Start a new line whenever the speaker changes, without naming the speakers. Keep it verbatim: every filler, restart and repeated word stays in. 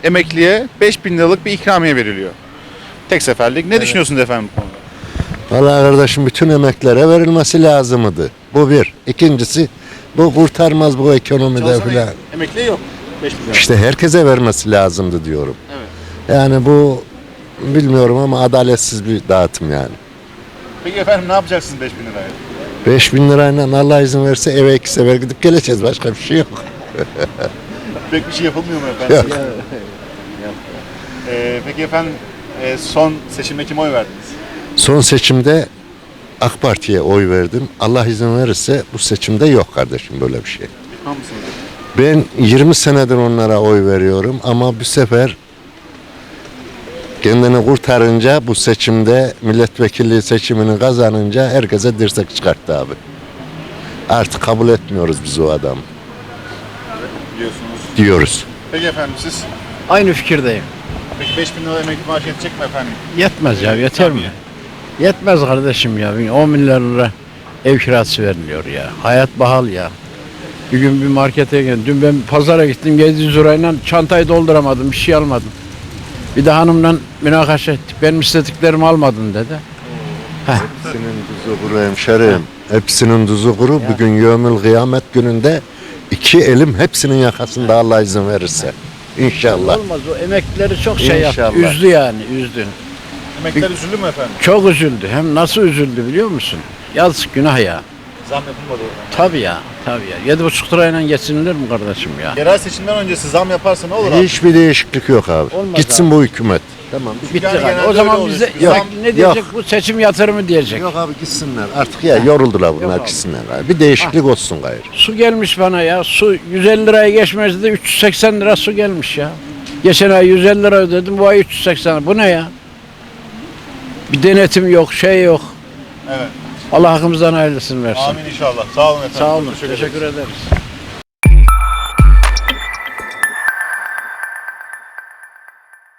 emekliye beş bin liralık bir ikramiye veriliyor. Tek seferlik. Ne düşünüyorsunuz efendim bu konuda?
Vallahi kardeşim bütün emeklere verilmesi lazımdı. Bu bir. İkincisi bu kurtarmaz bu ekonomide
Çalışan
filan.
emekliye yok. beş bin lira.
İşte herkese vermesi lazımdı diyorum.
Evet.
Yani bu bilmiyorum ama adaletsiz bir dağıtım yani.
Peki efendim ne yapacaksınız beş bin liraya?
beş bin lirayla Allah izin verirse eve iki sefer gidip geleceğiz. Başka bir şey yok.
Pek bir şey yapılmıyor mu efendim?
Yok.
Ee, peki efendim e, son seçimde kime oy verdiniz?
Son seçimde AK Parti'ye oy verdim. Allah izin verirse bu seçimde yok kardeşim böyle bir şey.
Pişman mısınız?
Ben yirmi senedir onlara oy veriyorum ama bu sefer kendini kurtarınca bu seçimde milletvekilliği seçimini kazanınca herkese dirsek çıkarttı abi. Artık kabul etmiyoruz biz o adamı
Biliyorsunuz.
diyoruz.
Peki efendim siz?
Aynı fikirdeyim.
Peki beş bin lira emekli maaşı yetecek mi efendim?
Yetmez ya,
Ee,
yeter mi?
ikramiye.
Yetmez kardeşim ya. on milyar lira ev kirası veriliyor ya. Hayat pahalı ya. Bir gün bir markete geldim. Dün ben pazara gittim. yedi yüz lirayla çantayı dolduramadım. Bir şey almadım. Bir de hanımla münakaşa ettik. Benim istediklerimi almadın dedi.
Hepsinin tuzu kuru hemşerim. Hepsinin tuzu kuru. Bugün yevmül kıyamet gününde iki elim hepsinin yakasında Allah izin verirse. İnşallah.
Olmaz, o emeklileri çok şey yaptı.
İnşallah.
Üzdü yani, üzdü.
Emekliler üzüldü mü efendim?
Çok üzüldü. Hem nasıl üzüldü biliyor musun? Yazık, günah ya.
Zam yapılmadı o.
Tabii ya, tabii ya. Yedi buçuk lirayla geçinilir mi kardeşim ya?
Yerel seçimden öncesi zam yaparsa ne olur abi?
Hiçbir değişiklik yok abi.
Olmaz
Gitsin
abi.
bu hükümet. Tamam.
Bitti
Yani
galiba.
genelde
O zaman
öyle
bize
oluyor.
sanki ne
Yok,
diyecek? Bu seçim yatırımı diyecek.
Yok abi gitsinler. Artık ya yoruldular bunlar
abi.
gitsinler abi. Bir değişiklik olsun gayrı.
Su gelmiş bana ya. Su yüz elli liraya geçmezdi de üç yüz seksen lira su gelmiş ya. Geçen ay yüz elli lira ödedim, bu ay üç yüz seksen lira. Bu ne ya? Bir denetim yok, şey yok.
Evet.
Allah hakkımızdan hayırlısını versin.
Amin inşallah. Sağ olun efendim.
Sağ olun.
Teşekkür ederiz.
Teşekkür ederiz.